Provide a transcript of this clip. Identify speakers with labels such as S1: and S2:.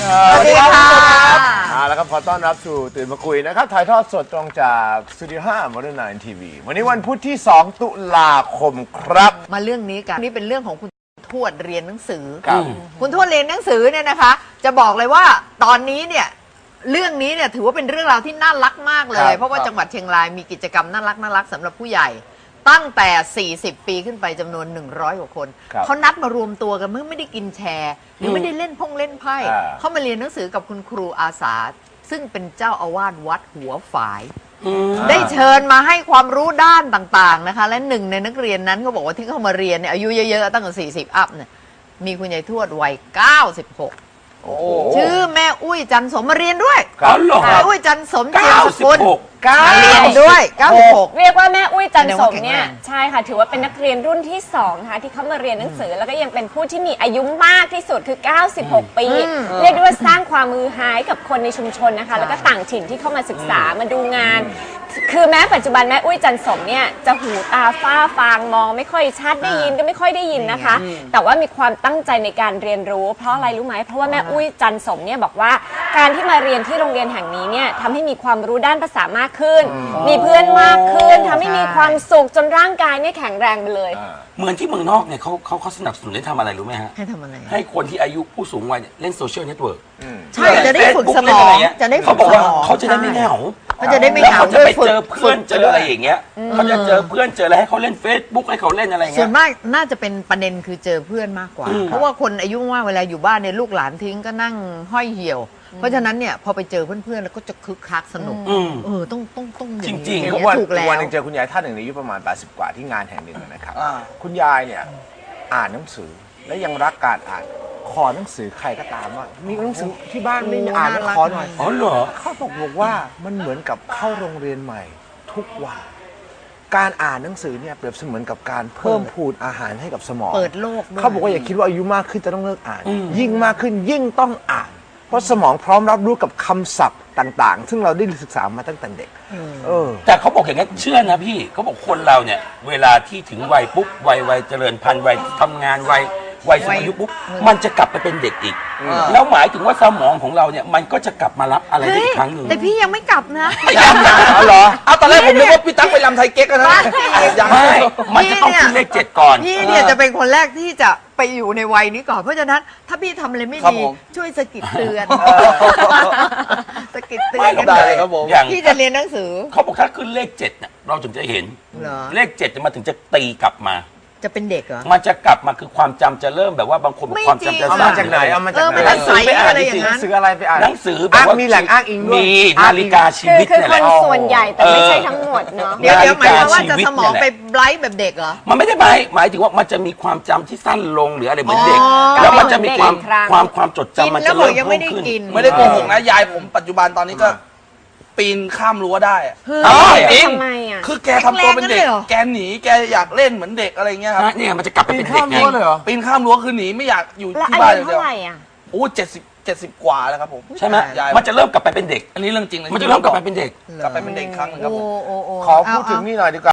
S1: สวัสดีครับ
S2: แล้วก็ขอต้อนรับสู่ตื่นมาคุยนะครับถ่ายทอดสดตรงจากสตูดิโอ5 Modern 9 TV วันนี้วันพุธที่ 2 ตุลาคมครับ
S1: มาเรื่องนี้กันนี่เป็นเรื่องของคุณทวดเรียนหนังสือ
S2: ครับ
S1: คุณทวดเรียนหนังสือเนี่ยนะคะ จะบอกเลยว่าตอนนี้เนี่ยเรื่องนี้เนี่ยถือว่าเป็นเรื่องราวที่น่ารักมากเลยเพราะว่าจังหวัดเชียงรายมีกิจกรรมน่ารักสำหรับผู้ใหญ่ตั้งแต่ 40 ปีขึ้นไปจำนวน 100 กว่าคนเขานัดมารวมตัวกันเมื่อไม่ได้กินแชร์หรือไม่ได้เล่นเล่นไพ่เขามาเรียนหนังสือกับคุณครูอาสาซึ่งเป็นเจ้าอาวาสวัดหัวฝายได้เชิญมาให้ความรู้ด้านต่างๆนะคะและหนึ่งในนักเรียนนั้นเขาบอกว่าที่เขามาเรียนเนี่ยอายุเยอะๆตั้งแต่40 อัพเนี่ยมีคุณยายทวดวัย 96ชื่อแม่อุ้ยจันสมมาเรียนด้วยแม่อุ้ยจันสมเจียมสกุลมาเรียนด้วย96
S3: เรียกว่าแม่อุ้ยจันสมเนี่ยใช่ค่ะถือว่าเป็นนักเรียนรุ่นที่2นะคะที่เขามาเรียนหนังสือแล้วก็ยังเป็นผู้ที่มีอายุมากที่สุดคือ96 ปีเรียกได้ว่าสร้างความมือหายกับคนในชุมชนนะคะแล้วก็ต่างถิ่นที่เข้ามาศึกษามาดูงานคือแม้ปัจจุบันแม่อุ้ยจันสมเนี่ยจะหูตาฝ้าฟางมองไม่ค่อยชัดได้ยินก็ไม่ค่อยได้ยินนะคะแต่ว่ามีความตั้งใจในการเรียนรู้เพราะอะไรรู้ไหมเพราะว่าแม่อุ้ยจันสมเนี่ยบอกว่าการที่มาเรียนที่โรงเรียนแห่งนี้เนี่ยทำให้มีความรู้ด้านภาษามากขึ้นมีเพื่อนมากขึ้นทำให้มีความสุขจนร่างกายเนี่ยแข็งแรงไปเลย
S4: เหมือนที่เมืองนอกเนี่ยเขาสนับสนุนให้ทำอะไรรู้ไหมฮะ
S1: ให้ทำอะไร
S4: ให้คนที่อายุผู้สูงวัยเนี่ยเล่นโซเชียลเน็ตเวิร์ก
S1: ใช่จะได้ฝึกสมองจะได้ฝึกสมอง
S4: เขาจะได้ไม่เหงา
S1: เขาจะได้ไม่เหงา
S4: เขาจะไปเจอเพื่อนเจออะไรอย่างเงี้ยเขาจะเจอเพื่อนเจออะไรให้เขาเล่น Facebook ให้เขาเล่นอะไรเงี้ย
S1: ส่วนมากน่าจะเป็นประเด็นคือเจอเพื่อนมากกว่าเพราะว่าคนอายุมากเวลาอยู่บ้านเนี่ยลูกหลานทิ้งก็นั่งห้อยเหี่ยวเพราะฉะนั้นเนี่ยพอไปเจอเพื่อนๆแล้วก็จะคึกคักสนุกต้อง
S4: จริงๆ
S2: เพราะว่าวันหนึ่งเจอคุณยายท่านหนึ่งอายุประมาณ80กว่าที่งานแห่งหนึ่งนะครับคุณยายเนี่ยอ่านหนังสือและยังรักการอ่านขอหนังสือใครก็ตามว่ามีหนังสือที่บ้านไม่อ่านขอหน่อย
S4: อ๋อเหรอ
S2: เขาบอกว่ามันเหมือนกับเข้าโรงเรียนใหม่ทุกวันการอ่านหนังสือเนี่ยเปรียบเสมือนกับการเพิ่มพูนอาหารให้กับสมอง
S1: เปิดโลก
S2: เขาบอกว่าอย่าคิดว่าอายุมากขึ้นจะต้องเลิกอ่านยิ่งมากขึ้นยิ่งต้องอ่านเพราะสมองพร้อมรับรู้กับคำศัพท์ต่างๆซึ่งเราได้ศึกษามาตั้งแต่เด็ก
S4: แต่เขาบอกอย่างนี้เชื่อนะพี่เขาบอกคนเราเนี่ยเวลาที่ถึงวัยปุ๊บวัยเจริญพันธุ์วัยทำงานวัยสูงอายุปุ๊บมันจะกลับไปเป็นเด็กอีกแล้วหมายถึงว่าสมองของเราเนี่ยมันก็จะกลับมารับอะไรได้อีกครั้งหนึ่ง
S1: แต่พี่ยังไม่กลับนะ
S2: เอาเหรอ
S5: เอาตอนแรกผมนึกว่าพี่ตั๊กไปลำไทยเก๊กนะ
S4: ยังไม่มันจะต้องขึ้นเลข7ก่อน
S1: พี่เนี่ยจะเป็นคนแรกที่จะไปอยู่ในวัยนี้ก่อนเพราะฉะนั้นถ้าพี่ทำอะไรไม่ดีช่วยสะกิดเตือนสะกิดเตือนกันเลยพี่จะเรียนหนังสือ
S4: เขาบอกถ้าขึ้นเลข7เนี่ยเราถึงจะเห็นเลข7จะมาถึงจะตีกลับมา
S1: จะเป็นเด็กเหรอ
S4: มันจะกลับมาคือความจำจะเริ่มแบบว่าบางคนบอกความจำจะ
S2: มาจากไหนเอามาจากไหน
S1: หนังสือไปอ่านห
S2: นังสืออะไรไปอ่าน
S4: หนังสือแบบว่า
S2: มีแหล่งอ้างอิงด้วย
S4: มีนาฬิกาชีวิต
S3: คือคนส่วนใหญ่แต่ไม่ใช่ทั้งหมดเนาะ
S1: เดี๋ยวหมายความว่าจะสมองไปไบรท์แบบเด็กเหรอ
S4: มันไม่ได้หมายถึงว่ามันจะมีความจำที่สั้นลงหรืออะไรเหมือนเด็กแล้วมันจะมีความจดจำมันจะเริ่มเพิ่มขึ้น
S5: ไม่ได้โกหกนะยายผมปัจจุบันตอนนี้ก็ปีนข้ามรั้วได้
S3: จริง
S5: คือแกทำตัวเป็นเด็กแกหนีแกอยากเล่นเหมือนเด็กอะไรเงี้ยครับ
S4: เนี่ยมันจะกลับไปเป็นเด็กไง
S5: ปีนข้ามรั้วคือหนีไม่อยากอยู่ที่บ้านเลยเดียวโอ้70 กว่าแล้วครับผม
S4: ใช่ไหมมันจะเริ่มกลับไปเป็นเด็ก
S5: อันนี้เรื่องจริงเลย
S4: มันจะเริ่มกลับไปเป็นเด็ก
S5: กลับไปเป็นเด็กครั้งนึงครับผม
S2: ขอพูดถึงนี่หน่อยดีกว่า